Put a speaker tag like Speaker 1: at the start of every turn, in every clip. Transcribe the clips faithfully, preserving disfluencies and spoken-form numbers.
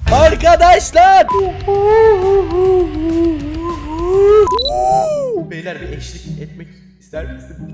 Speaker 1: Arkadaşlar. Beyler bir eşlik etmek ister misin?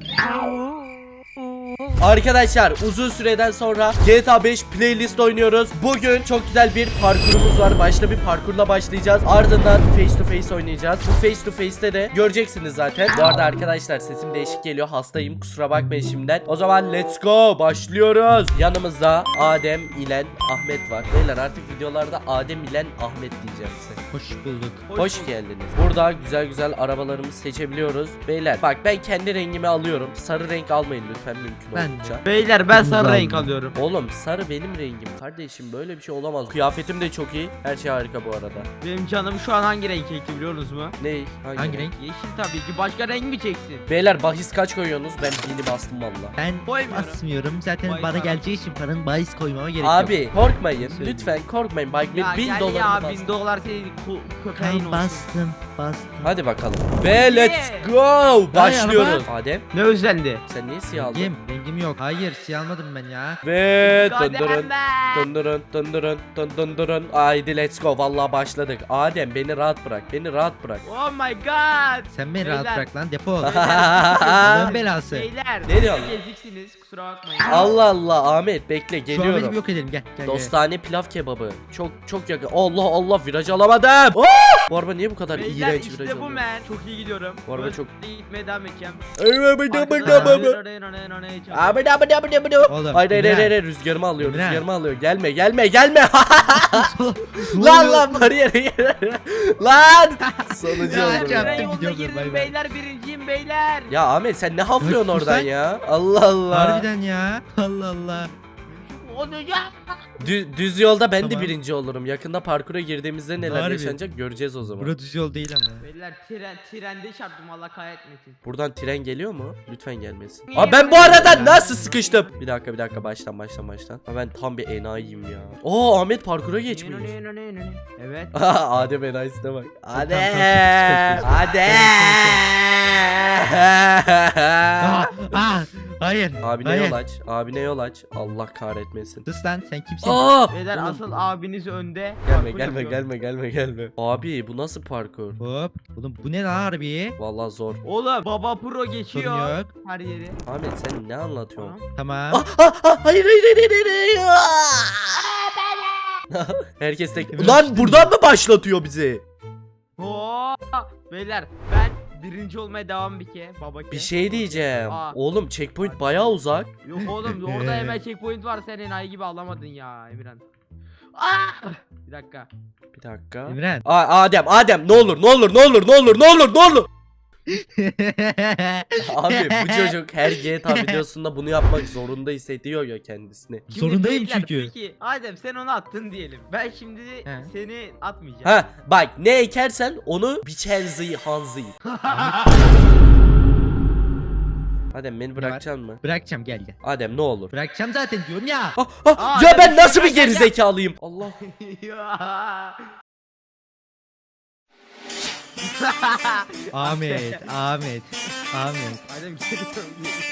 Speaker 1: Arkadaşlar uzun süreden sonra G T A beş playlist oynuyoruz. Bugün çok güzel bir parkurumuz var. Başta bir parkurla başlayacağız. Ardından face to face oynayacağız. Bu face to face'te de göreceksiniz zaten. Bu arada arkadaşlar sesim değişik geliyor. Hastayım. Kusura bakmayın şimdiden. O zaman let's go. Başlıyoruz. Yanımızda Adem, İlen, Ahmet var. Beyler artık videolarda Adem, İlen, Ahmet diyeceğim size.
Speaker 2: Hoş bulduk.
Speaker 1: Hoş, Hoş geldiniz. Burada güzel güzel arabalarımızı seçebiliyoruz. Beyler bak ben kendi rengimi alıyorum. Sarı renk almayın lütfen mümkün
Speaker 2: Ben
Speaker 1: olunca.
Speaker 3: Beyler ben sarı renk alıyorum.
Speaker 1: Oğlum sarı benim rengim kardeşim, böyle bir şey olamaz. Kıyafetim de çok iyi. Her şey harika bu arada.
Speaker 3: Benim canım şu an hangi renk çekti biliyorsunuz mu?
Speaker 1: Ne? Hangi,
Speaker 2: Hangi renk?
Speaker 3: Yeşil tabii ki. Başka renk mi çeksin?
Speaker 1: Beyler bahis kaç koyuyorsunuz? Ben bini bastım valla.
Speaker 2: Ben
Speaker 3: Koymuyorum.
Speaker 2: basmıyorum. Zaten
Speaker 3: Bahis
Speaker 2: bana
Speaker 3: var.
Speaker 2: geleceği için paranın bahis koymama gerek yok.
Speaker 1: Abi korkmayın.
Speaker 2: Söyleyeyim.
Speaker 1: Lütfen korkmayın. Bak
Speaker 3: Ya
Speaker 1: bin
Speaker 3: gel
Speaker 1: dolar
Speaker 3: ya
Speaker 1: bastım.
Speaker 3: bin dolar senin köpeğin
Speaker 2: Tamam,
Speaker 3: olsun.
Speaker 2: bastım. Bastım.
Speaker 1: Hadi bakalım. Ve let's go. Başlıyoruz. Adem
Speaker 3: Ne özlendi?
Speaker 1: sen niye siyah aldın?
Speaker 2: Rengim, rengim yok. Hayır, siyah almadım ben ya.
Speaker 1: Ve
Speaker 3: Kadem
Speaker 1: döndürün.
Speaker 3: ben.
Speaker 1: Döndürün döndürün döndürün. Haydi let's go. Vallahi başladık. Adem beni rahat bırak. Beni rahat bırak.
Speaker 3: Oh my god.
Speaker 2: Sen beni
Speaker 3: Beyler.
Speaker 2: rahat bırak lan, defol.
Speaker 3: Beyler,
Speaker 2: Allah'ın belası.
Speaker 3: Beyler.
Speaker 1: Ne diyorsun?
Speaker 3: Geziksiniz kusura bakmayın.
Speaker 1: Allah Allah Ahmet bekle
Speaker 2: Şu an benim
Speaker 1: geliyorum.
Speaker 2: yok edelim, gel gel. gel.
Speaker 1: Dostane pilav kebabı. Çok çok yakın. Allah Allah viraj alamadım. Oh! Bu araba niye bu kadar
Speaker 3: Beyler
Speaker 1: iğrenç viraj
Speaker 3: işte bu
Speaker 1: alıyor?
Speaker 3: men. Çok iyi gidiyorum.
Speaker 1: Bu araba
Speaker 3: Böyle
Speaker 1: çok-
Speaker 3: gitmeye devam edeceğim.
Speaker 2: Oğlum,
Speaker 1: Hayır hayır
Speaker 2: İmran.
Speaker 1: hayır hayır, rüzgarımı alıyor
Speaker 2: İmran.
Speaker 1: rüzgarımı alıyor. Gelme gelme gelme. Lan lan bariyeri. Lan. Sonucu
Speaker 2: Ya,
Speaker 1: oldu.
Speaker 2: yapacağım.
Speaker 1: ya.
Speaker 3: Ben yolda
Speaker 2: gidiyorum, bay
Speaker 3: girdim
Speaker 2: bay.
Speaker 3: beyler birinciyim beyler.
Speaker 1: Ya Ahmet sen ne haflıyorsun
Speaker 2: Sus
Speaker 1: oradan
Speaker 2: lan.
Speaker 1: ya? Allah Allah.
Speaker 2: Harbiden ya. Allah Allah.
Speaker 3: Olacak.
Speaker 1: Dü- düz yolda ben de
Speaker 2: Tamam.
Speaker 1: birinci olurum. Yakında parkura girdiğimizde neler
Speaker 2: Harbi.
Speaker 1: yaşanacak göreceğiz o zaman.
Speaker 2: Bura düz yol değil ama.
Speaker 3: Beyler tren trende çarptım Allah kahretmesin.
Speaker 1: Buradan tren geliyor mu? Lütfen gelmesin. Aa ben bu arada nasıl sıkıştım? Bir dakika bir dakika baştan baştan baştan. Ha, ben tam bir enayiyim ya. Oo Ahmet parkura geçmiş.
Speaker 3: Evet.
Speaker 1: Adem enayisine bak. Adem.
Speaker 2: tam
Speaker 1: Adem.
Speaker 2: Aa, aa, hayır.
Speaker 1: Abine
Speaker 2: hayır.
Speaker 1: yol aç. Abine yol aç. Allah kahretmesin.
Speaker 2: Sus lan, sen kimsin?
Speaker 1: Aa!
Speaker 3: Beyler
Speaker 1: Oğlum,
Speaker 3: asıl abiniz önde.
Speaker 1: Gelme
Speaker 3: Parkur
Speaker 1: gelme
Speaker 3: yapıyor.
Speaker 1: gelme gelme gelme. Abi bu nasıl parkur?
Speaker 2: Hop. Oğlum bu ne lan harbi?
Speaker 1: Vallahi zor.
Speaker 3: Oğlum baba pro
Speaker 2: Sorun
Speaker 3: geçiyor.
Speaker 2: yok.
Speaker 3: Her yeri.
Speaker 1: Ahmet sen ne anlatıyorsun?
Speaker 3: Tamam.
Speaker 2: Tamam.
Speaker 1: Ah, ah, ah, hayır hayır hayır hayır, hayır. Herkes tek.
Speaker 2: Emre
Speaker 1: Lan
Speaker 2: açtın
Speaker 1: buradan mı başlatıyor bizi?
Speaker 3: Oo! Beyler ben birinci olmaya devam bir ke. Baba ke.
Speaker 1: Bir şey diyeceğim.
Speaker 3: Aa.
Speaker 1: Oğlum checkpoint bayağı uzak.
Speaker 3: Yok oğlum orada hemen checkpoint var senin ay gibi alamadın ya Emirhan. Aa! Bir dakika.
Speaker 1: Bir dakika.
Speaker 2: İmran.
Speaker 1: Aa, Adem Adem ne olur ne olur ne olur ne olur ne olur ne olur. Abi bu çocuk her G T A videosunda bunu yapmak zorunda hissediyor ya kendisini.
Speaker 3: Şimdi
Speaker 2: Zorundayım
Speaker 3: beyler,
Speaker 2: çünkü.
Speaker 3: Peki Adem sen onu attın diyelim. Ben şimdi
Speaker 2: He.
Speaker 3: seni atmayacağım.
Speaker 1: Ha bak ne ekersen onu biçerzi hanzi. Adem beni bırakacaksın mı?
Speaker 2: Bırakacağım, gel gel.
Speaker 1: Adem ne olur.
Speaker 2: Bırakacağım zaten diyorum ya.
Speaker 1: Ah, ah,
Speaker 3: Aa,
Speaker 1: ya
Speaker 3: Adem,
Speaker 1: ben nasıl
Speaker 3: gel,
Speaker 1: bir
Speaker 3: gel, gel.
Speaker 1: gerizekalıyım? Allah.
Speaker 3: Ya.
Speaker 2: Ahmet, Ahmet, Ahmet.
Speaker 3: Adem geliyorum.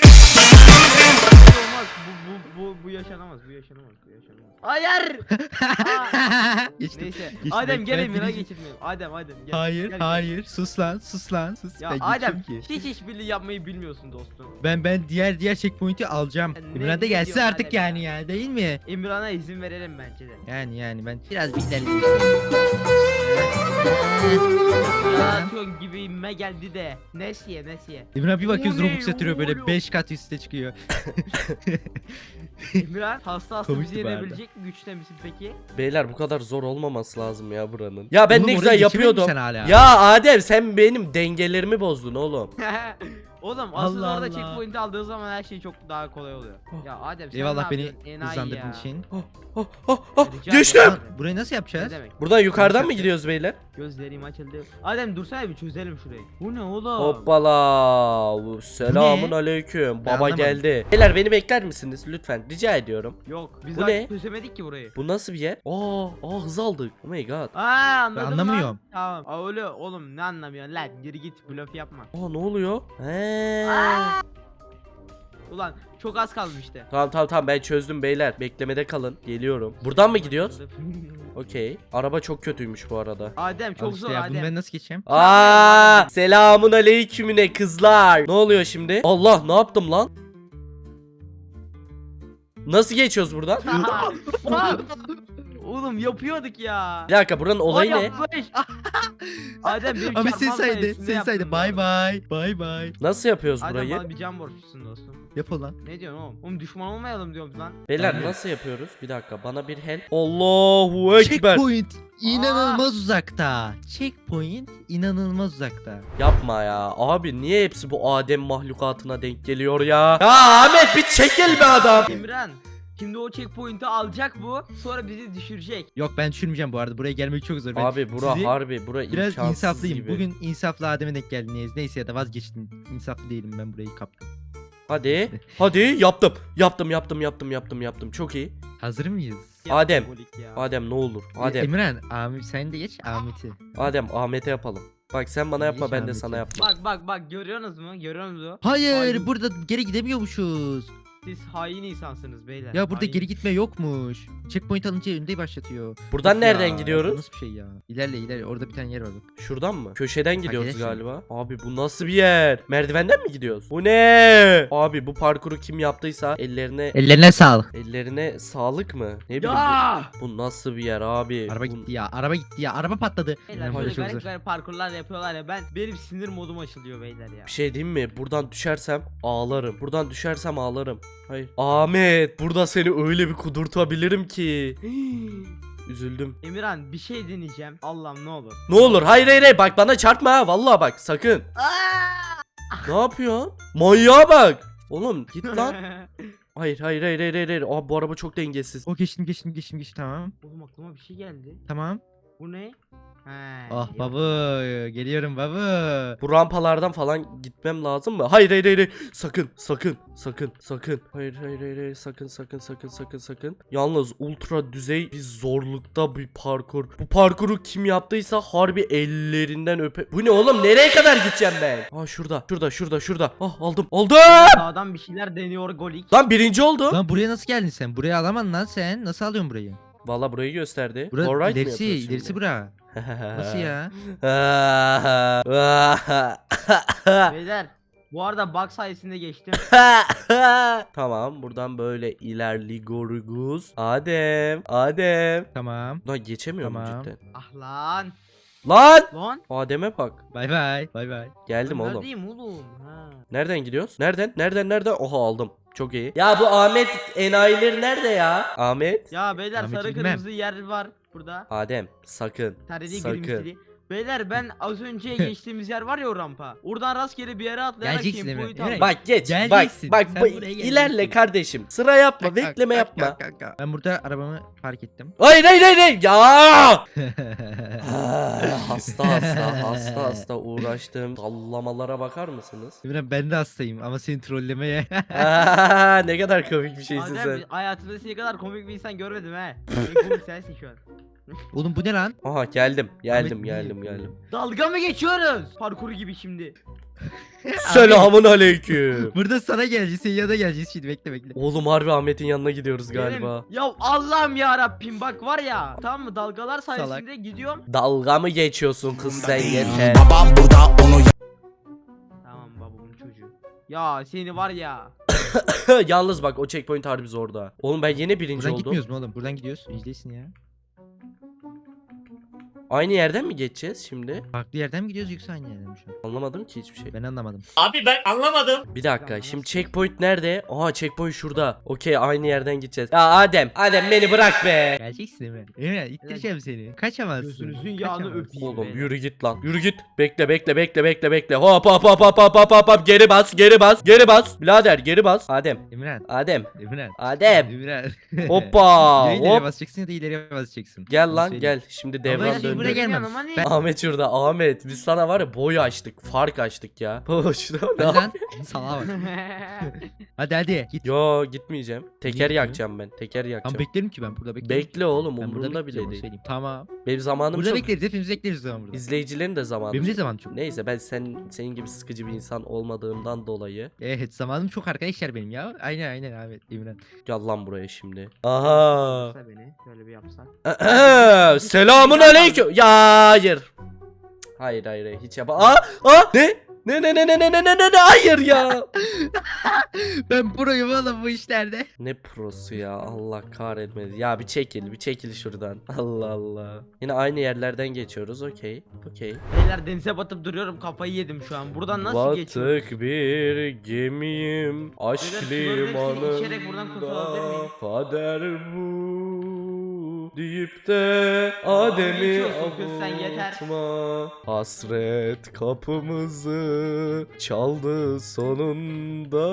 Speaker 3: Olmaz. Bu, bu, bu, bu yaşanamaz. Bu yaşanamaz. Bu yaşanamaz. Hayır. Aa.
Speaker 2: Geçtim.
Speaker 3: Neyse.
Speaker 2: Geçtim.
Speaker 3: Adem gel
Speaker 2: Ben
Speaker 3: Emir'a
Speaker 2: birinci-
Speaker 3: geçirmeyelim. Adem Adem gel.
Speaker 2: Hayır,
Speaker 3: Gel, gel.
Speaker 2: hayır. Sus lan, sus lan, sus.
Speaker 3: Ya
Speaker 2: Ben
Speaker 3: Adem
Speaker 2: geçiyorum ki.
Speaker 3: hiç işbirliği yapmayı bilmiyorsun dostum.
Speaker 2: Ben ben diğer diğer checkpoint'i alacağım.
Speaker 3: Ne-
Speaker 2: İmran da
Speaker 3: ne
Speaker 2: gelse
Speaker 3: diyorsun
Speaker 2: artık
Speaker 3: Adem
Speaker 2: yani
Speaker 3: ya?
Speaker 2: ya, değil mi?
Speaker 3: İmran'a izin verelim bence de.
Speaker 2: Yani yani ben biraz beklerim.
Speaker 3: Yaratıyorsun gibime geldi de. Nesiye nesiye.
Speaker 2: İmran bir bakıyoruz
Speaker 3: Oluyor,
Speaker 2: Robux yatırıyor böyle
Speaker 3: oluyor.
Speaker 2: beş kat üste çıkıyor.
Speaker 3: İmran hasta hasta
Speaker 2: Komikti
Speaker 3: bizi
Speaker 2: bu arada.
Speaker 3: yenebilecek mi güçte misin peki?
Speaker 1: Beyler bu kadar zor olmaması lazım ya buranın. Ya ben
Speaker 2: Oğlum,
Speaker 1: ne
Speaker 2: oraya
Speaker 1: güzel
Speaker 2: geçemedin
Speaker 1: yapıyordum.
Speaker 2: sen hala.
Speaker 1: Ya Adem sen benim dengelerimi bozdun oğlum.
Speaker 3: Oğlum asıl
Speaker 2: Allah
Speaker 3: orada
Speaker 2: Allah.
Speaker 3: checkpoint aldığın zaman her şey çok daha kolay oluyor. Ya Adem sen
Speaker 2: Eyvallah
Speaker 3: ne
Speaker 2: beni
Speaker 3: yapıyorsun? Enayi
Speaker 2: hızlandırdığın
Speaker 3: ya.
Speaker 2: için.
Speaker 1: Oh, oh, oh, oh,
Speaker 3: Rica
Speaker 1: geçtim.
Speaker 3: ederim.
Speaker 2: Lan, burayı nasıl
Speaker 3: Ne
Speaker 2: yapacağız?
Speaker 3: demek?
Speaker 1: Buradan yukarıdan mı
Speaker 2: Nasıl
Speaker 1: gidiyoruz beyler?
Speaker 3: Gözlerim açıldı. Adem dursana bir çözelim şurayı. Bu ne oğlum?
Speaker 1: Hoppala. Selamun aleyküm.
Speaker 2: Ben
Speaker 1: Baba
Speaker 2: anlamadım.
Speaker 1: geldi. Beyler beni bekler misiniz lütfen? Rica ediyorum.
Speaker 3: Yok biz
Speaker 1: Bu
Speaker 3: daha
Speaker 1: ne?
Speaker 3: çözemedik ki burayı.
Speaker 1: Bu nasıl bir yer? Aa, aa hız aldık. Oh my god.
Speaker 3: Aa anladım
Speaker 2: Ben anlamıyorum.
Speaker 3: lan. Tamam. Aa, öyle oğlum ne anlamıyorsun lan? Geri git blöf yapma.
Speaker 1: Aa ne oluyor? He.
Speaker 3: Ulan çok az kalmıştı.
Speaker 1: Tamam tamam tamam ben çözdüm beyler. Beklemede kalın. Geliyorum. Buradan mı gidiyoruz? Okey. Araba çok kötüymüş bu arada.
Speaker 3: Adem çok
Speaker 2: Al işte
Speaker 3: zor
Speaker 2: ya, bunu
Speaker 3: Adem.
Speaker 2: ben nasıl geçeceğim?
Speaker 1: Aa, selamun aleykümüne kızlar. Ne oluyor şimdi? Allah ne yaptım lan? Nasıl geçiyoruz buradan?
Speaker 3: Aa! Oğlum yapıyorduk ya.
Speaker 1: Bir dakika buranın olayı
Speaker 3: Aa,
Speaker 1: ne?
Speaker 3: yapmış. Adem benim
Speaker 2: Abi sen
Speaker 3: çarpmam
Speaker 2: saydı,
Speaker 3: sayesinde
Speaker 2: sen saydı.
Speaker 3: yaptım
Speaker 2: Bay
Speaker 3: bunu.
Speaker 2: bay. Bay bay.
Speaker 1: Nasıl yapıyoruz
Speaker 3: Adem
Speaker 1: burayı?
Speaker 3: bana bir can borçlusun dostum.
Speaker 2: Yap ulan.
Speaker 3: Ne diyorsun oğlum? Oğlum düşman olmayalım diyorum lan.
Speaker 1: Beyler nasıl yapıyoruz? Bir dakika bana bir help. Allahu ekber.
Speaker 2: Checkpoint inanılmaz uzakta. Checkpoint inanılmaz uzakta.
Speaker 1: Yapma ya. Abi niye hepsi bu Adem mahlukatına denk geliyor ya? Ya Ahmet bir çekil be adam.
Speaker 3: Emran. Şimdi o checkpoint'i alacak bu. Sonra bizi düşürecek.
Speaker 2: Yok ben düşürmeyeceğim bu arada. Buraya gelmek çok zor. Ben
Speaker 1: Abi bura
Speaker 2: sizi
Speaker 1: harbi bura
Speaker 2: biraz
Speaker 1: imkansız
Speaker 2: insaflıyım.
Speaker 1: gibi.
Speaker 2: Bugün insaflı Adem'e denk geldiniz. Neyse ya da vazgeçtim. İnsaflı değilim, ben burayı kaptım.
Speaker 1: Hadi. Hadi yaptım. Yaptım yaptım yaptım yaptım yaptım. Çok iyi.
Speaker 2: Hazır mıyız?
Speaker 1: Adem.
Speaker 3: Golik ya.
Speaker 1: Adem ne olur. Adem.
Speaker 2: Emirhan, Ahmet sen de geç Ahmet'i.
Speaker 1: Adem Ahmet'e yapalım. Bak sen bana yapma
Speaker 2: Geç
Speaker 1: ben de
Speaker 2: Ahmet'i.
Speaker 1: sana yapma.
Speaker 3: Bak bak bak görüyorsunuz mu? Görüyorsunuz mu?
Speaker 2: Hayır,
Speaker 3: Hain.
Speaker 2: burada geri gidemiyormuşuz.
Speaker 3: Siz hain insansınız beyler.
Speaker 2: Ya burada
Speaker 3: hain.
Speaker 2: geri gitme yokmuş. Checkpoint alınca önde başlatıyor.
Speaker 1: Buradan
Speaker 2: Of
Speaker 1: nereden
Speaker 2: ya,
Speaker 1: gidiyoruz?
Speaker 2: Nasıl bir şey ya? İlerle ilerle, orada bir tane yer var bak.
Speaker 1: Şuradan mı? Köşeden gidiyoruz
Speaker 2: gelirsin.
Speaker 1: galiba. Abi bu nasıl bir yer? Merdivenden mi gidiyoruz? Bu ne? Abi bu parkuru kim yaptıysa ellerine
Speaker 2: Ellerine sağlık.
Speaker 1: ellerine sağlık mı? Ne bileyim
Speaker 3: Ya!
Speaker 1: bu, bu nasıl bir yer abi?
Speaker 2: Araba
Speaker 1: Bu-
Speaker 2: gitti ya, araba gitti ya, araba patladı.
Speaker 3: Beyler
Speaker 2: Böyle
Speaker 3: böyle
Speaker 2: çok
Speaker 3: garip
Speaker 2: zor.
Speaker 3: garip parkurlar yapıyorlar ya, ben benim sinir modum açılıyor beyler ya.
Speaker 1: Bir şey diyeyim mi? Buradan düşersem ağlarım. Buradan düşersem ağlarım. Hayır. Ahmet burada seni öyle bir kudurtabilirim ki. Üzüldüm.
Speaker 3: Emirhan bir şey deneyeceğim. Allah'ım ne olur.
Speaker 1: Ne olur hayır hayır hayır bak bana çarpma ha vallahi bak sakın. Ne yapıyorsun? Manyağa bak. Oğlum git lan. Hayır hayır hayır hayır hayır. hayır. Abi bu araba çok dengesiz.
Speaker 2: O geçtim geçtim geçtim geçtim, tamam.
Speaker 3: Oğlum aklıma bir şey geldi.
Speaker 2: Tamam.
Speaker 3: Bu ne? He.
Speaker 2: Ah
Speaker 3: yok.
Speaker 2: baba, geliyorum baba.
Speaker 1: Bu rampalardan falan gitmem lazım mı? Hayır hayır hayır. hayır. Sakın sakın sakın sakın. Hayır hayır hayır, hayır. sakın sakın sakın sakın sakın. Yalnız ultra düzey bir zorlukta bir parkur. Bu parkuru kim yaptıysa harbi ellerinden öpe. Bu ne oğlum? Nereye kadar gideceğim ben? Aa şurada şurada şurada şurada. Ah aldım. Aldım.
Speaker 3: Sağdan bir şeyler deniyor Golik.
Speaker 1: Lan birinci oldu.
Speaker 2: Lan buraya nasıl geldin sen? Buraya alamadın lan sen. Nasıl alıyorsun burayı?
Speaker 1: Valla burayı gösterdi.
Speaker 2: Bura
Speaker 1: Alright mi
Speaker 2: ilerisi,
Speaker 1: yapıyoruz
Speaker 2: ilerisi
Speaker 1: şimdi?
Speaker 2: bura. Nasıl ya?
Speaker 3: Beyler bu arada bug sayesinde geçtim.
Speaker 1: Tamam buradan böyle ilerliyoruz. Adem. Adem.
Speaker 2: Tamam.
Speaker 1: Lan geçemiyor mu
Speaker 2: Tamam.
Speaker 1: cidden?
Speaker 3: Ah lan.
Speaker 1: Lan.
Speaker 3: Lan.
Speaker 1: Adem'e bak.
Speaker 2: Bay bay. Bay bay.
Speaker 1: Geldim
Speaker 3: Ben
Speaker 1: oğlum.
Speaker 3: Neredeyim oğlum? Ha.
Speaker 1: Nereden gidiyoruz? Nereden? Nereden? Nereden? Oha aldım. Çok iyi. Ya bu Ahmet enayileri nerede ya? Ahmet.
Speaker 3: Ya beyler
Speaker 2: Ahmet'i
Speaker 3: sarı
Speaker 2: bilmem.
Speaker 3: kırmızı yer var burada.
Speaker 1: Adem sakın.
Speaker 3: Sarı değil
Speaker 1: Sakın.
Speaker 3: kırmızı. Beyler ben az önce geçtiğimiz yer var ya o rampa. Oradan rastgele bir yere atlayarak
Speaker 2: Geleceksin değil mi?
Speaker 3: checkpoint
Speaker 2: Evet.
Speaker 3: aldım.
Speaker 1: Bak geç. Bak
Speaker 2: Geleceksin.
Speaker 1: bak
Speaker 2: Sen
Speaker 1: bu,
Speaker 2: buraya geleceksin.
Speaker 1: ilerle kardeşim. Sıra yapma,
Speaker 2: Kalk, kalk,
Speaker 1: bekleme
Speaker 2: kalk,
Speaker 1: yapma.
Speaker 2: kalk, kalk, kalk. Ben burada arabamı park ettim.
Speaker 1: Hayır hayır hayır. hayır. Ya! Ah, hasta hasta hasta hasta uğraştım. Sallamalara bakar mısınız?
Speaker 2: Emre, ben de hastayım ama seni trollemeye.
Speaker 1: Aa, ne kadar komik bir şeysin
Speaker 3: Adem,
Speaker 1: sen.
Speaker 3: hayatımda seni kadar komik bir insan görmedim he. En komik sensin şu an.
Speaker 2: Oğlum bu ne lan?
Speaker 1: Aha geldim geldim
Speaker 2: Ahmet,
Speaker 1: geldim
Speaker 2: niye
Speaker 1: geldim.
Speaker 3: Dalga mı geçiyoruz? Parkuru gibi şimdi.
Speaker 1: Selamun aleyküm.
Speaker 2: Burada sana geleceğiz, senin yanına geleceğiz şimdi, bekle bekle.
Speaker 1: Oğlum harbi Ahmet'in yanına gidiyoruz galiba.
Speaker 3: Benim- ya Allah'ım ya Rabbim bak var ya. Tamam mı dalgalar sayesinde gidiyorum.
Speaker 1: Dalga mı geçiyorsun kız sen yeter.
Speaker 4: Babam burada onu
Speaker 3: Tamam babamın çocuğu. Ya seni var ya.
Speaker 1: Yalnız bak o checkpoint harbi zorda. Oğlum ben yine birinci
Speaker 2: Buradan
Speaker 1: oldum.
Speaker 2: gitmiyoruz mu oğlum? Buradan gidiyoruz. İzleyin ya.
Speaker 1: Aynı yerden mi geçeceğiz şimdi?
Speaker 2: Farklı yerden mi gidiyoruz yoksa aynı yerden mi şu an?
Speaker 1: Anlamadım ki hiçbir şey.
Speaker 2: Ben anlamadım.
Speaker 4: Abi ben anlamadım.
Speaker 1: Bir dakika şimdi checkpoint nerede? Aha checkpoint şurada. Okey aynı yerden gideceğiz. Ya Adem, Adem beni bırak be.
Speaker 2: Geleceksin Emre. Emre ittireceğim seni. Kaçamazsın.
Speaker 3: Gözünüzün yağını
Speaker 2: Kaçamazsın.
Speaker 3: öpeyim.
Speaker 1: Oğlum
Speaker 3: beyler.
Speaker 1: yürü git lan. Yürü git. Bekle bekle bekle bekle bekle. Hop hop hop hop hop hop hop hop. Geri bas geri bas geri bas. Birader geri bas. Adem.
Speaker 2: Emre.
Speaker 1: Adem.
Speaker 2: Emre.
Speaker 1: Adem.
Speaker 2: Emre.
Speaker 1: Hoppa.
Speaker 2: Ya ileri
Speaker 1: Hop.
Speaker 2: basacaksın ya da ileriye basacaksın.
Speaker 1: Gel
Speaker 2: Onu
Speaker 1: lan
Speaker 2: söyleyeyim.
Speaker 1: gel. Şimdi
Speaker 2: Ama
Speaker 1: devran
Speaker 2: şey
Speaker 1: döndü.
Speaker 2: buraya gelmem.
Speaker 3: Yanıma ne?
Speaker 2: Ben-
Speaker 1: Ahmet şurada Ahmet. Biz sana var ya boy açtık. Fark açtık ya. Şurada ne
Speaker 2: Hadi lan.
Speaker 1: yapıyorsun?
Speaker 2: Salağa bak. Hadi hadi git.
Speaker 1: Yo gitmeyeceğim. Teker
Speaker 2: Gitmiyor.
Speaker 1: yakacağım ben. Teker
Speaker 2: Tamam
Speaker 1: yakacağım.
Speaker 2: beklerim ki ben burada beklerim.
Speaker 1: Bekle oğlum
Speaker 2: Ben burada
Speaker 1: umurumda
Speaker 2: bekleyeceğim,
Speaker 1: bile
Speaker 2: onu
Speaker 1: değil.
Speaker 2: söyleyeyim. Tamam.
Speaker 1: Benim zamanım
Speaker 2: Burada
Speaker 1: çok.
Speaker 2: bekleriz, hepimiz bekleriz o zaman burada.
Speaker 1: İzleyicilerin de zamanı
Speaker 2: Benim de
Speaker 1: çok.
Speaker 2: zaman çok.
Speaker 1: Neyse ben sen senin gibi sıkıcı bir insan olmadığımdan dolayı.
Speaker 2: Evet, zamanım çok arkadaşlar benim ya. Aynen aynen Ahmet, Emirhan.
Speaker 1: Gel lan buraya şimdi. Aha.
Speaker 3: Yapsa beni şöyle bir yapsak.
Speaker 1: Selamun aleyküm. Ya hayır. Hayır hayır hayır, hiç yap. Aa, aa ne? Ne ne ne ne ne ne ne ne hayır ya.
Speaker 2: Ben proyum oğlum bu işlerde.
Speaker 1: Ne prosu ya, Allah kahretmedi. Ya bir çekil bir çekil şuradan. Allah Allah. Yine aynı yerlerden geçiyoruz. Okey. Okey.
Speaker 3: Beyler denize batıp duruyorum, kafayı yedim şu an. Buradan nasıl geçiyoruz?
Speaker 1: Batık bir gemiyim. Aşk
Speaker 3: Beyler, suların hepsini içerek buradan kurtulabilir
Speaker 1: limanında.
Speaker 3: miyim?
Speaker 1: Kader bu deyip de Adem'i
Speaker 3: geçiyorsun kız sen, yeter.
Speaker 1: avutma. Hasret kapımızı çaldı sonunda.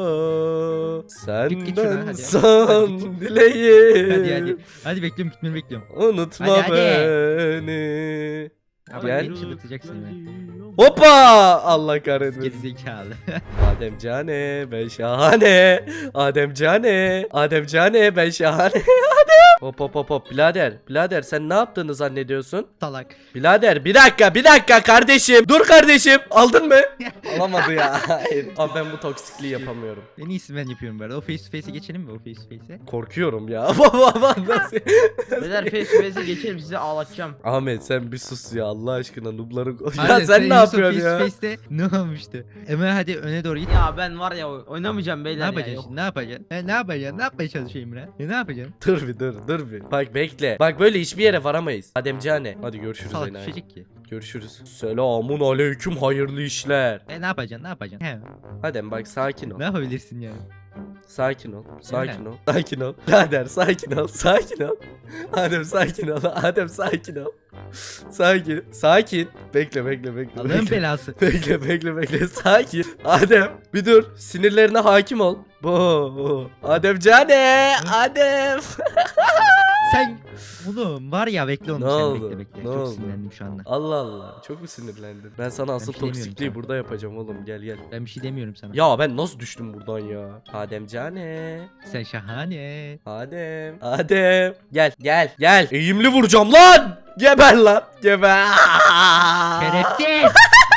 Speaker 2: Git git şuradan,
Speaker 1: Senden
Speaker 2: hadi.
Speaker 1: son
Speaker 2: Hadi git.
Speaker 1: dileğim.
Speaker 2: Hadi hadi. Hadi bekliyorum, gitmeni bekliyorum.
Speaker 1: Unutma
Speaker 2: Hadi, hadi.
Speaker 1: beni.
Speaker 2: Abi
Speaker 1: Gel.
Speaker 2: beni çıldırtacaksın ya.
Speaker 1: Hoppa! Allah kahretmesin.
Speaker 2: Gerizekalı.
Speaker 1: Adem cane ben şahane. Adem cane. Adem cane ben şahane. Adem. Hop hop hop hop. Birader. Birader sen ne yaptığını zannediyorsun?
Speaker 2: Salak.
Speaker 1: Birader bir dakika bir dakika kardeşim. Dur kardeşim. Aldın mı? Alamadı ya. Hayır. Abi ben bu toksikliği yapamıyorum.
Speaker 2: En iyisi ben yapıyorum böyle. O face to face'e geçelim mi? O face to face'e.
Speaker 1: Korkuyorum ya. Baba nasıl?
Speaker 3: Beyler face to face'e geçelim, sizi ağlatacağım.
Speaker 1: Ahmet sen bir sus ya Allah aşkına noobları. Ya
Speaker 2: Hadi,
Speaker 1: sen ne
Speaker 2: Yusuf
Speaker 1: yapıyorsun
Speaker 2: face
Speaker 1: ya?
Speaker 2: to face'te ne olmuştu? Hemen hadi öne doğru git.
Speaker 3: Ya ben var ya oynamayacağım
Speaker 2: Ne
Speaker 3: beyler ya.
Speaker 2: yapacaksın
Speaker 3: Yok.
Speaker 2: şimdi? Ne yapacaksın? He, ne yapacaksın? Ne yapmaya çalışıyorsun İmran? E, ne yapacaksın?
Speaker 1: Dur bir dur dur bir. Bak bekle. Bak böyle hiçbir yere varamayız. Ademcane. Hadi görüşürüz
Speaker 2: Salak
Speaker 1: Enayi.
Speaker 2: düşecek ki.
Speaker 1: Görüşürüz. Selamun aleyküm hayırlı işler.
Speaker 2: E ne yapacaksın? Ne yapacaksın? He.
Speaker 1: Adem bak sakin ol.
Speaker 2: Ne yapabilirsin yani?
Speaker 1: Sakin ol. Sakin
Speaker 2: Emre.
Speaker 1: ol. Sakin ol. Birader sakin ol. Sakin ol. Adem sakin ol. Adem sakin ol. Sakin. Sakin. Bekle bekle bekle.
Speaker 2: Allah'ın
Speaker 1: Bekle.
Speaker 2: belası.
Speaker 1: Bekle bekle bekle. Sakin. Adem bir dur. Sinirlerine hakim ol. Bu. Adem cane. Adem.
Speaker 2: Sen oğlum var ya, bekle onu
Speaker 1: Ne
Speaker 2: sen,
Speaker 1: oldu?
Speaker 2: bekle bekle.
Speaker 1: Ne
Speaker 2: Çok
Speaker 1: oldu?
Speaker 2: sinirlendim şu anda.
Speaker 1: Allah Allah. Çok mu sinirlendin? Ben sana asıl
Speaker 2: bir şey demiyorum
Speaker 1: toksikliği
Speaker 2: sana.
Speaker 1: burada yapacağım oğlum. Gel gel.
Speaker 2: Ben bir şey demiyorum sana.
Speaker 1: Ya ben nasıl düştüm buradan ya? Adem cane.
Speaker 2: Sen şahane.
Speaker 1: Adem. Adem. Gel gel gel. Eğimli vuracağım lan. Geber lan. Geber.
Speaker 2: Şerefsiz.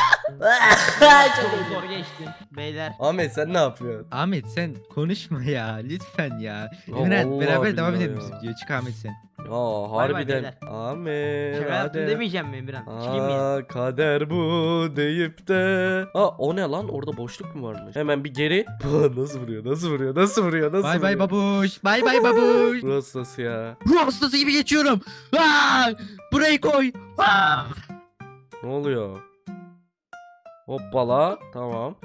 Speaker 3: Çok zor geçtim beyler.
Speaker 1: Ahmet sen ne yapıyorsun?
Speaker 2: Ahmet sen konuşma ya lütfen ya.
Speaker 1: Ya
Speaker 2: Emre
Speaker 1: vallahi
Speaker 2: beraber devam
Speaker 1: billahi
Speaker 2: edelim
Speaker 1: ya.
Speaker 2: biz videoya. Çık Ahmet sen.
Speaker 1: Ya
Speaker 3: bay
Speaker 1: harbiden.
Speaker 3: beyler.
Speaker 1: Ahmet.
Speaker 3: Şaka yaptım
Speaker 1: Adem.
Speaker 3: demeyeceğim mi Emirhan? Çıkayım mı?
Speaker 1: Aa, kader bu deyip de. Aa o ne lan? Orada boşluk mu varmış? Hemen bir geri. Bu nasıl vuruyor? Nasıl vuruyor? Nasıl vuruyor? Nasıl
Speaker 2: Bay bay
Speaker 1: vuruyor?
Speaker 2: babuş. Bay bay babuş.
Speaker 1: Burası nasıl ya?
Speaker 2: Ruh hastası gibi geçiyorum. Aa, burayı koy. Aa.
Speaker 1: Ne oluyor? Hoppala. Tamam.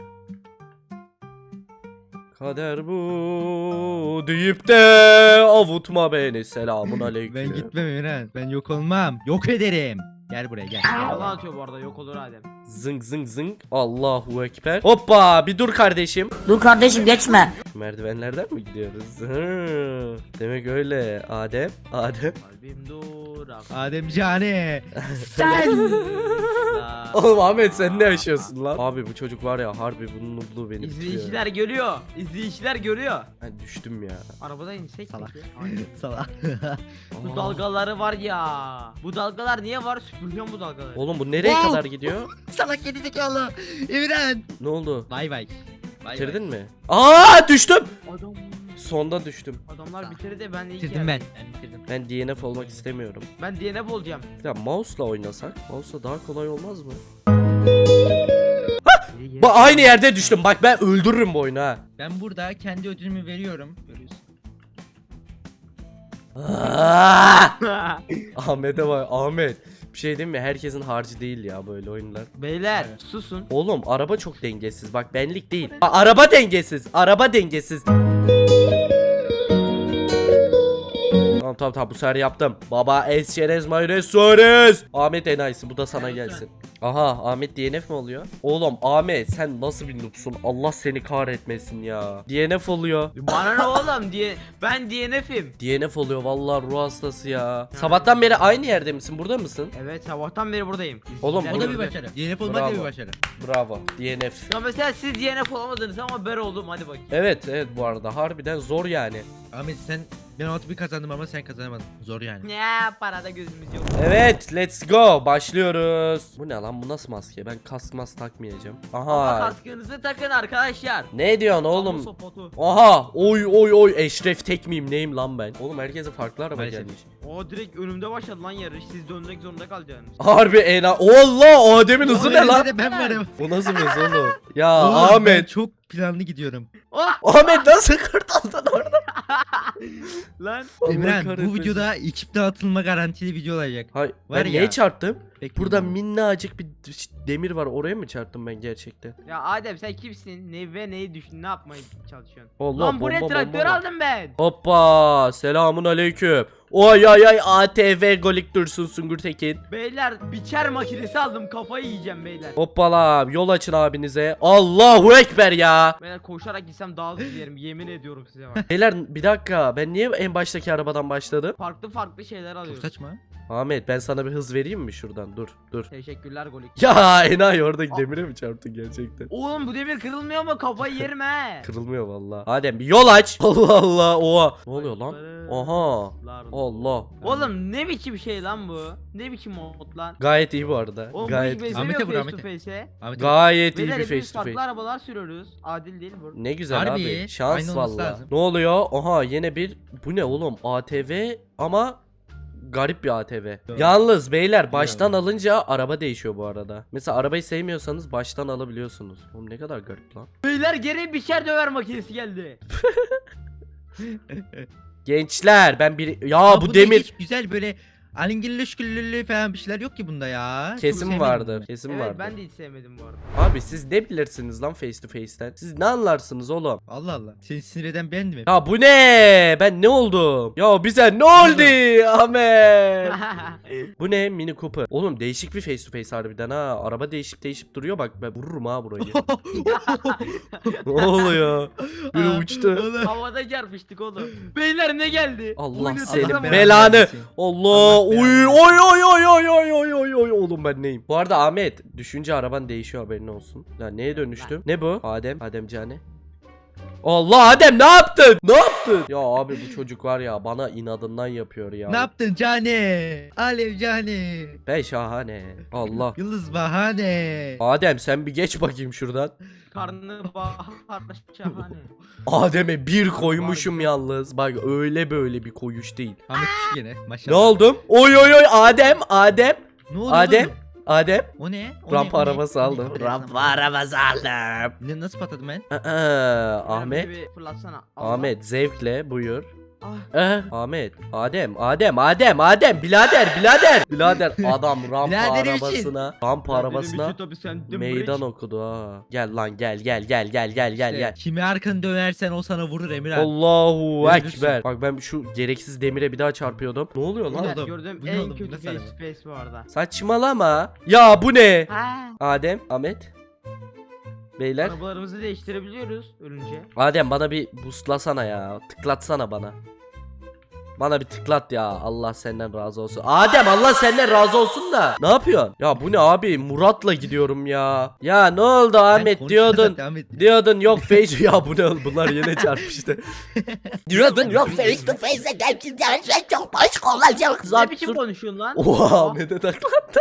Speaker 1: Kader bu deyip de avutma beni. Selamun aleyküm.
Speaker 2: Ben gitmem Emre. Ben yok olmam. Yok ederim. Gel buraya gel.
Speaker 3: Yalan atıyor bu arada, yok olur Adem.
Speaker 1: Zıng zıng zıng. Allahu ekber. Hoppa bir dur kardeşim.
Speaker 5: Dur kardeşim geçme.
Speaker 1: Merdivenlerden mi gidiyoruz? Hı. Demek öyle. Adem. Adem.
Speaker 3: Kalbim durak.
Speaker 2: Adem cane.
Speaker 5: Sen.
Speaker 1: Oğlum Ahmet sen ne yaşıyorsun lan? Abi bu çocuk var ya harbi bunun nublu beni tutuyor.
Speaker 3: İzleyiciler görüyor. İzleyiciler görüyor.
Speaker 1: Ben düştüm ya.
Speaker 3: Arabada insek
Speaker 2: Salak.
Speaker 3: peki? Aynen.
Speaker 2: Salak.
Speaker 3: Bu dalgaları var ya. Bu dalgalar niye var? Süpürüyorum bu dalgaları.
Speaker 1: Oğlum bu nereye
Speaker 2: Wow.
Speaker 1: kadar gidiyor?
Speaker 2: Salak gerizekalı. Emre.
Speaker 1: Ne oldu?
Speaker 2: Bay bay. Bay
Speaker 1: Bitirdin mi? Aa düştüm.
Speaker 3: Adam.
Speaker 1: Sonda düştüm.
Speaker 3: Adamlar bitirdi de ben de ilk
Speaker 2: Bitirdim ben.
Speaker 3: yerdeyim.
Speaker 2: Ben bitirdim.
Speaker 1: Ben D N F olmak istemiyorum.
Speaker 3: Ben D N F olacağım.
Speaker 1: Ya mouse'la oynasak? Mouse'la daha kolay olmaz mı?
Speaker 3: Geri geri.
Speaker 1: Bak aynı yerde düştüm. Bak ben öldürürüm bu oyunu ha.
Speaker 2: Ben burada kendi ödülümü veriyorum. Görüyorsun.
Speaker 1: Aa! Ahmet'e bak Ahmet. Bir şey diyeyim mi? Herkesin harcı değil ya böyle oyunlar.
Speaker 3: Beyler susun.
Speaker 1: Oğlum araba çok dengesiz. Bak benlik değil. A- araba dengesiz. Araba dengesiz. Tamam tamam tamam bu sefer yaptım. Baba es çerez mayonez suarez. Ahmet enayisi bu da sana gelsin. Aha Ahmet D N F mi oluyor? Oğlum Ahmet sen nasıl bir noobsun? Allah seni kahretmesin ya. D N F oluyor.
Speaker 3: Bana ne oğlum diye. Ben D N F'im.
Speaker 1: D N F oluyor vallahi ruh hastası ya. Sabahtan beri aynı yerde misin? Burada mısın?
Speaker 3: Evet sabahtan beri buradayım.
Speaker 1: Oğlum,
Speaker 3: İzleyiciler
Speaker 2: O da bir
Speaker 3: gördü.
Speaker 2: başarı. D N F olmak da bir
Speaker 1: Bravo.
Speaker 2: başarı.
Speaker 1: Bravo. D N F.
Speaker 3: Ya mesela siz D N F olamadınız ama ben oldum, hadi bakayım.
Speaker 1: Evet evet bu arada harbiden zor yani.
Speaker 2: Ahmet sen Ben o bir kazandım ama sen kazanamadın. Zor yani.
Speaker 3: Ya parada gözümüz yok.
Speaker 1: Evet, let's go. Başlıyoruz. Bu ne lan? Bu nasıl maske? Ben kask mask takmayacağım.
Speaker 3: Ama
Speaker 1: Aha.
Speaker 3: kaskınızı takın arkadaşlar.
Speaker 1: Ne diyorsun
Speaker 3: Kamu
Speaker 1: oğlum?
Speaker 3: sopotu.
Speaker 1: Aha. Oy oy oy. Eşref tek miyim? Neyim lan ben? Oğlum herkese farklı araba
Speaker 2: Maalesef.
Speaker 1: gelmiş.
Speaker 3: O direkt önümde başladı lan yarış. Siz dönmek zorunda kalacaksınız.
Speaker 1: Harbi ena. Allah, Adem'in hızı ne
Speaker 2: Oğlum,
Speaker 1: lan?
Speaker 2: önünde de ben varım.
Speaker 1: Bu nasıl bir hız oğlum? Ya
Speaker 2: Oğlum, ben
Speaker 1: Ahmet.
Speaker 2: çok planlı gidiyorum.
Speaker 3: Oh!
Speaker 1: Ahmet nasıl kurtuldun orada?
Speaker 3: Lan.
Speaker 1: Allah
Speaker 2: Emren bu
Speaker 1: kahretmesin.
Speaker 2: videoda ekipte atılma garantili video olacak.
Speaker 1: Hay,
Speaker 2: Var
Speaker 1: ben
Speaker 2: ya.
Speaker 1: neye çarptım?
Speaker 2: Bekle
Speaker 1: Burada
Speaker 2: oğlum.
Speaker 1: minnacık bir demir var. Oraya mı çarptım ben gerçekten?
Speaker 3: Ya Adem sen kimsin? Ne ve neyi düşün? Ne yapmaya çalışıyorsun?
Speaker 1: Allah,
Speaker 3: Lan buraya
Speaker 1: bomba,
Speaker 3: traktör
Speaker 1: bomba.
Speaker 3: aldım ben.
Speaker 1: Hoppa, selamun aleyküm. Oy ay ay A T V Golik Dursun Sungur Tekin.
Speaker 3: Beyler biçer makinesi aldım. Kafayı yiyeceğim beyler.
Speaker 1: Hoppala, yol açın abinize. Allahu Ekber ya.
Speaker 3: Beyler koşarak gitsem daha hızlı giderim. Yemin ediyorum size bak.
Speaker 1: Beyler bir dakika, ben niye en baştaki arabadan başladım?
Speaker 3: Farklı farklı şeyler
Speaker 2: Çok
Speaker 3: alıyoruz.
Speaker 2: saçma.
Speaker 1: Ahmet, ben sana bir hız vereyim mi şuradan? Dur dur.
Speaker 3: Teşekkürler Golik.
Speaker 1: Ya enayi, oradaki demire mi çarptın gerçekten?
Speaker 3: Oğlum bu demir kırılmıyor mu? Kafayı yerim he.
Speaker 1: Kırılmıyor vallahi. Adem bir yol aç. Allah Allah, oha. Ne oluyor lan? Aha. Allah.
Speaker 3: Oğlum ne biçim şey lan bu? Ne biçim mod lan?
Speaker 1: Gayet iyi bu arada.
Speaker 3: Oğlum
Speaker 1: Gayet
Speaker 3: bu hiç
Speaker 2: Ahmet'e
Speaker 3: benzemiyor
Speaker 2: vur,
Speaker 3: face to
Speaker 2: Ahmet'e.
Speaker 3: face'e.
Speaker 2: Ahmet
Speaker 1: gayet iyi
Speaker 3: Beyler
Speaker 1: bir
Speaker 3: hepimiz
Speaker 1: face to
Speaker 3: farklı
Speaker 1: face.
Speaker 3: arabalar sürüyoruz. Adil değil bu.
Speaker 1: Ne güzel
Speaker 2: Harbi,
Speaker 1: abi. Şans
Speaker 2: aynı olması
Speaker 1: valla.
Speaker 2: lazım.
Speaker 1: Ne oluyor? Aha yine bir, bu ne oğlum? A T V ama garip bir A T V.
Speaker 2: Evet.
Speaker 1: Yalnız beyler baştan alınca araba değişiyor bu arada. Mesela arabayı sevmiyorsanız baştan alabiliyorsunuz. Oğlum ne kadar garip lan.
Speaker 3: Beyler geri biçer döver makinesi geldi.
Speaker 1: Gençler ben bir ya
Speaker 2: Aa,
Speaker 1: bu
Speaker 2: bunda
Speaker 1: demir
Speaker 2: hiç güzel böyle alingirli şükürlü falan bir şeyler yok ki bunda ya. Çok
Speaker 1: kesin
Speaker 2: sevmedim
Speaker 1: vardır.
Speaker 2: bunu.
Speaker 1: Kesin
Speaker 3: Evet
Speaker 1: vardır.
Speaker 3: ben de hiç sevmedim bu arada.
Speaker 1: Abi siz ne bilirsiniz lan face to face'ten? Siz ne anlarsınız oğlum?
Speaker 2: Allah Allah. Seni sinir eden ben mi?
Speaker 1: Ya bu ne? Ben ne oldum? Ya bize ne oldu Ahmet? Bu ne? Mini Cooper. Oğlum değişik bir face to face harbiden ha. Araba değişip değişip duruyor bak, ben vururum ha burayı. Ne oluyor? Biri
Speaker 2: Aa,
Speaker 1: uçtu.
Speaker 2: oğlum.
Speaker 3: Havada çarpıştık oğlum. Beyler ne geldi?
Speaker 1: Allah
Speaker 3: Oyunu
Speaker 1: seni
Speaker 3: tanıdım.
Speaker 1: belanı.
Speaker 2: versin.
Speaker 1: Allah.
Speaker 2: Allah
Speaker 1: Oy
Speaker 2: belanı
Speaker 1: oy oy oy oy oy oy oy oy oğlum ben neyim? Bu arada Ahmet düşünce araban değişiyor, haberin olsun. Ya neye dönüştüm? Ne bu? Adem, Adem Cane. Allah Adem ne yaptın? Ne yaptın? Ya abi bu çocuk var ya, bana inadından yapıyor ya.
Speaker 2: Ne yaptın Cane? Alev Cane.
Speaker 1: Ben şahane. Allah.
Speaker 2: Yıldız bahane.
Speaker 1: Adem sen bir geç bakayım şuradan.
Speaker 3: Karnı bahar şahane.
Speaker 1: Adem'e bir koymuşum yalnız. Bak öyle böyle bir koyuş değil.
Speaker 2: Ahmet düştü gene
Speaker 1: Ne
Speaker 2: maşallah.
Speaker 1: oldum? Oy oy oy Adem, Adem,
Speaker 2: Ne oldu
Speaker 1: Adem,
Speaker 2: oğlum?
Speaker 1: Adem.
Speaker 2: O ne? O
Speaker 1: Rampa
Speaker 2: ne? O ne?
Speaker 1: arabası
Speaker 2: O ne?
Speaker 1: aldım.
Speaker 2: O ne?
Speaker 1: Rampa arabası aldım.
Speaker 2: Ne, nasıl patladım ben?
Speaker 1: Aa, Ahmet,
Speaker 3: Bir fırlatsana. Allah.
Speaker 1: Ahmet zevkle buyur.
Speaker 3: Ah.
Speaker 1: Eh, Ahmet, Adem, Adem, Adem, Adem, birader, birader. Birader adam rampa
Speaker 2: Birader için.
Speaker 1: arabasına, rampa
Speaker 3: Ya benim
Speaker 1: arabasına
Speaker 3: için tabii sen de
Speaker 1: meydan
Speaker 3: bridge.
Speaker 1: okudu ha. Gel lan gel gel gel gel gel gel
Speaker 2: İşte,
Speaker 1: gel.
Speaker 2: Kimi arkanı dönersen o sana vurur Emirhan.
Speaker 1: Allahu
Speaker 2: Görürsün.
Speaker 1: ekber. Bak ben şu gereksiz demire bir daha çarpıyordum. Ne oluyor lan?
Speaker 3: Beyler,
Speaker 2: oldu?
Speaker 3: gördüğüm
Speaker 2: Bu ne
Speaker 3: en
Speaker 2: oldu? Bu
Speaker 3: kötü
Speaker 2: nasıl
Speaker 3: face
Speaker 2: araba?
Speaker 3: to face bu arada.
Speaker 1: Saçmalama. Ya bu ne?
Speaker 3: Ha.
Speaker 1: Adem, Ahmet. Beyler.
Speaker 3: Arabalarımızı değiştirebiliyoruz ölünce.
Speaker 1: Adem bana bir boostlasana ya. Tıklatsana bana. Bana bir tıklat ya. Allah senden razı olsun. Adem Allah senden razı olsun da. Ne yapıyorsun? Ya bu ne abi? Murat'la gidiyorum ya. Ya ne oldu
Speaker 2: Ben
Speaker 1: Ahmet
Speaker 2: konuşuyorum
Speaker 1: diyordun.
Speaker 2: zaten, Ahmet.
Speaker 1: Diyordun yok face. Ya bu ne oğlum? Bunlar yine çarpıştı.
Speaker 5: Diyordun yok face to face'e gelsin her şey çok başka olacak.
Speaker 3: Ne
Speaker 1: Zart
Speaker 3: biçim
Speaker 1: zurt.
Speaker 3: konuşuyorsun lan?
Speaker 1: Oha Ahmet'e taklattı.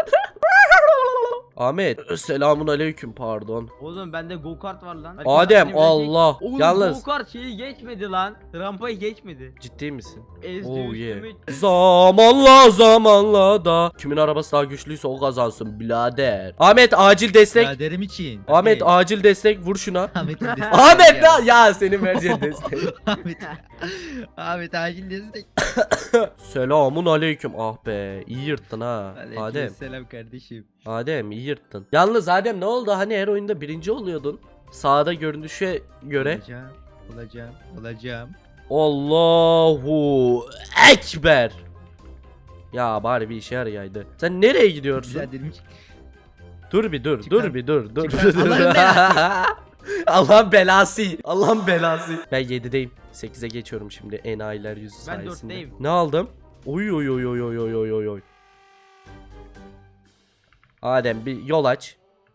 Speaker 1: Ahmet selamun aleyküm pardon.
Speaker 3: Oğlum bende go kart var lan.
Speaker 1: Adem
Speaker 3: Benim ölecek-
Speaker 1: Allah.
Speaker 3: Oğlum
Speaker 1: Yalnız
Speaker 3: go kart şeyi geçmedi lan. Rampayı geçmedi.
Speaker 1: ciddi misin?
Speaker 3: Ezdi
Speaker 1: Oh yeah.
Speaker 3: üstümü.
Speaker 1: Zamanla zamanla da kimin arabası daha güçlüyse o kazansın birader. Ahmet acil destek.
Speaker 2: Biraderim için.
Speaker 1: Ahmet
Speaker 2: Tabii.
Speaker 1: acil destek vur şuna.
Speaker 2: Ahmet'in desteği
Speaker 1: Ahmet
Speaker 2: ya.
Speaker 1: ne? Ya senin vereceğin destek.
Speaker 2: Ahmet. Ahmet acil destek.
Speaker 1: Selamun aleyküm. Ah be iyi yırttın ha. Adem.
Speaker 2: Selam kardeşim.
Speaker 1: Adem iyi yırttın. Yalnız Adem ne oldu? Hani her oyunda birinci oluyordun. Sağda görünüşe göre.
Speaker 2: Olacağım. Olacağım. Olacağım.
Speaker 1: Allahu Ekber. Ya bari bir işe yarayaydı. Sen nereye gidiyorsun?
Speaker 2: Biraderim için.
Speaker 1: Dur bir dur,
Speaker 2: Çık
Speaker 1: dur
Speaker 2: lan.
Speaker 1: bir dur, dur.
Speaker 2: Çık lan. Allah'ın belası.
Speaker 1: Allah'ın belası. Allah'ın belası. Ben yedideyim. sekize geçiyorum şimdi enayiler yüzü
Speaker 3: Ben
Speaker 1: sayesinde.
Speaker 3: dörtteyim.
Speaker 1: Ne aldım? Oy oy oy oy oy oy oy oy oy. Adem bir yol aç.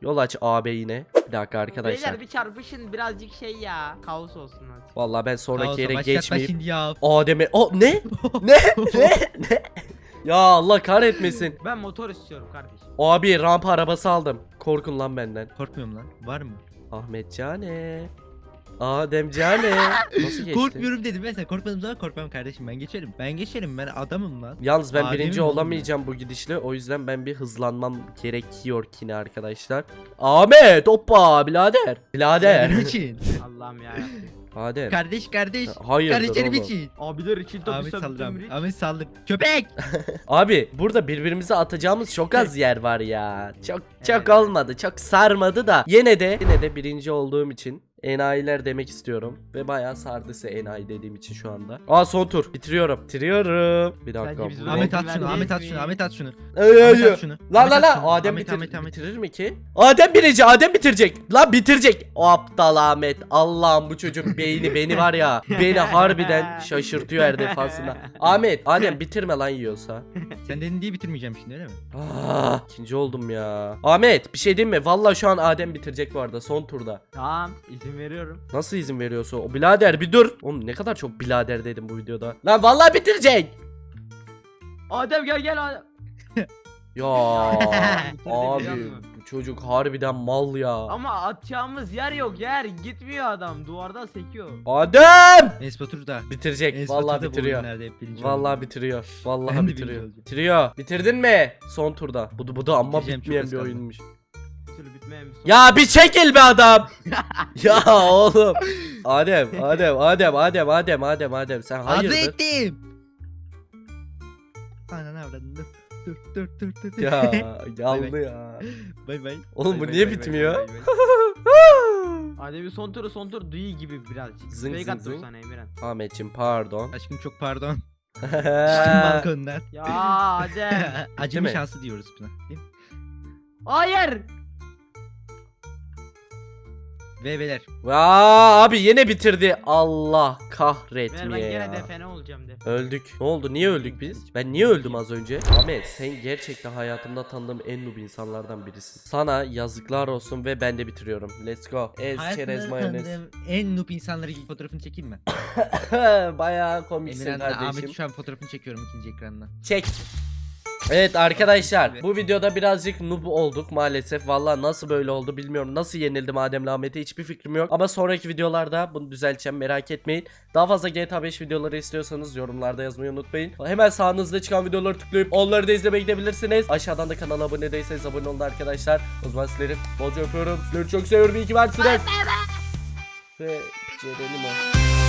Speaker 1: Yol aç abi yine. Bir dakika arkadaşlar.
Speaker 3: Beyler bir çarpışın birazcık şey ya. Kaos olsun hadi.
Speaker 1: Vallahi ben sonraki
Speaker 2: Kaosa
Speaker 1: yere
Speaker 2: başlatma
Speaker 1: geçmeyeyim.
Speaker 2: şimdi ya.
Speaker 1: Adem'e... O ne? ne? Ne? Ne? Ya Allah kahretmesin.
Speaker 3: Ben motor istiyorum kardeşim.
Speaker 1: Abi rampa arabası aldım. Korkun lan benden.
Speaker 2: Korkmuyorum lan. Var mı?
Speaker 1: Ahmet Cane. Adem Cane. Nasıl geçti?
Speaker 2: Korkmuyorum dedim ben, sen korkmadığım zaman korkmam kardeşim, ben geçerim. Ben geçerim, ben adamım lan.
Speaker 1: Yalnız ben
Speaker 2: Adem'im
Speaker 1: birinci
Speaker 2: oğlum
Speaker 1: olamayacağım bu gidişle. O yüzden ben bir hızlanmam gerekiyor yine arkadaşlar. Ahmet hoppa birader. Birader.
Speaker 2: Benim için.
Speaker 3: Allah'ım ya.
Speaker 1: Adem.
Speaker 2: Kardeş kardeş.
Speaker 1: Hayırdır
Speaker 2: Kardeşlerim
Speaker 1: oğlum.
Speaker 2: için.
Speaker 3: Abiler için tabii
Speaker 2: Ahmet saldır
Speaker 3: sabittim
Speaker 2: Ahmet. Ahmet saldır. Köpek.
Speaker 1: Abi burada birbirimize atacağımız çok az yer var ya. Çok çok
Speaker 3: Evet.
Speaker 1: olmadı. Çok sarmadı da. Yine de yine de birinci olduğum için enayiler demek istiyorum. Ve bayağı sardıysa enayi dediğim için şu anda. Aa son tur. Bitiriyorum. Bitiriyorum. Bir dakika.
Speaker 3: Bence biz
Speaker 1: bu-
Speaker 3: bunu-
Speaker 2: Ahmet
Speaker 3: Ben
Speaker 2: at şunu,
Speaker 3: değil
Speaker 2: Ahmet at
Speaker 3: mi?
Speaker 2: şunu, Ahmet at şunu.
Speaker 1: Ay, ay,
Speaker 2: Ahmet
Speaker 1: ay.
Speaker 2: at şunu.
Speaker 1: La la
Speaker 2: Ahmet
Speaker 1: la
Speaker 2: at şunu.
Speaker 1: Adem
Speaker 2: Ahmet,
Speaker 1: bitir-
Speaker 2: Ahmet, Ahmet.
Speaker 1: bitirir mi ki? Adem birinci, Adem bitirecek. Lan bitirecek. O aptal Ahmet. Allah'ım bu çocuk beyni beni var ya. Beni harbiden şaşırtıyor her defasında. Ahmet, Adem bitirme lan yiyorsa.
Speaker 2: Sen dedin diye bitirmeyeceğim şimdi, öyle mi?
Speaker 1: Ah, ikinci oldum ya. Ahmet bir şey diyeyim mi? Vallahi şu an Adem bitirecek bu arada son turda.
Speaker 3: Tamam izin veriyorum.
Speaker 1: Nasıl izin veriyorsun? O birader bir dur. Oğlum ne kadar çok birader dedim bu videoda. Lan vallahi bitirecek.
Speaker 3: Adem gel gel Adem.
Speaker 1: Ya
Speaker 3: Bitirdi
Speaker 1: abi
Speaker 3: biliyor musun?
Speaker 1: bu çocuk harbiden mal ya.
Speaker 3: Ama atacağımız yer yok, yer gitmiyor adam, duvardan sekiyor.
Speaker 1: Adem
Speaker 2: Enes Batur da.
Speaker 1: bitirecek.
Speaker 2: Enes
Speaker 1: Vallahi
Speaker 2: Batur da bu
Speaker 1: bitiriyor.
Speaker 2: oyunlarda hep birinci
Speaker 1: Vallahi
Speaker 2: oldu.
Speaker 1: bitiriyor. Vallahi
Speaker 2: Ben de
Speaker 1: bitiriyor.
Speaker 2: birinci olacağım.
Speaker 1: Bitiriyor. Bitirdin mi? Son turda. Bu bu da amma
Speaker 2: Bitireceğim, çok
Speaker 1: bitmeyen
Speaker 2: az
Speaker 1: bir
Speaker 2: kaldı.
Speaker 1: oyunmuş.
Speaker 3: Bir türlü bitmeyen bir sorun.
Speaker 1: Ya bir çekil be adam. Ya oğlum. Adem, Adem, Adem, Adem, Adem, Adem, Adem. Sen
Speaker 2: Hazır
Speaker 1: hayırdır?
Speaker 2: ettim. Ananı avradın, dur. Dur dur dur dur. dur.
Speaker 1: Ya
Speaker 2: Bay
Speaker 1: yandı
Speaker 2: bay.
Speaker 1: ya.
Speaker 2: Bay bay.
Speaker 1: Oğlum bu
Speaker 2: Bay
Speaker 1: niye
Speaker 2: bay, bay
Speaker 1: bitmiyor?
Speaker 2: bay, bay, bay.
Speaker 3: Adem'in son turu son tur duyu gibi birazcık.
Speaker 1: Zıng
Speaker 3: Fake
Speaker 1: zıng
Speaker 3: attım
Speaker 1: zıng.
Speaker 3: sana Emirhan.
Speaker 1: Ahmetciğim pardon.
Speaker 2: Aşkım çok pardon. Düştüm balkondan.
Speaker 3: Ya Adem.
Speaker 2: Acemi
Speaker 1: mi?
Speaker 2: şansı diyoruz buna. Değil mi?
Speaker 3: Hayır.
Speaker 2: Ve beyler.
Speaker 1: Aa, abi yine bitirdi. Allah
Speaker 3: Ver ben
Speaker 1: kahretmeye
Speaker 3: gene
Speaker 1: ya.
Speaker 3: defene olacağım de.
Speaker 1: Öldük. Ne oldu? Niye öldük biz? Ben niye öldüm az önce? Ahmet sen gerçekten hayatımda tanıdığım en noob insanlardan birisin. Sana yazıklar olsun ve ben de bitiriyorum. Let's go. Ez çerez
Speaker 2: Hayatımda
Speaker 1: mayonez.
Speaker 2: tanıdığım en noob insanları gibi fotoğrafını çekeyim mi?
Speaker 1: Bayağı komiksin
Speaker 2: Emirhan'la
Speaker 1: kardeşim.
Speaker 2: Ahmet şu an fotoğrafını çekiyorum ikinci ekrandan.
Speaker 1: Çek. Evet arkadaşlar bu videoda birazcık noob olduk maalesef. Vallahi nasıl böyle oldu bilmiyorum. Nasıl yenildim Adem'le Ahmet'e hiçbir fikrim yok. Ama sonraki videolarda bunu düzelteceğim, merak etmeyin. Daha fazla G T A beş videoları istiyorsanız yorumlarda yazmayı unutmayın. Hemen sağınızda çıkan videoları tıklayıp onları da izlemeye gidebilirsiniz. Aşağıdan da kanala abone değilseniz abone olun arkadaşlar. O zaman sizleri bolca öpüyorum. Sizleri çok seviyorum. İyi ki varsınız. Ve Ceren'im o.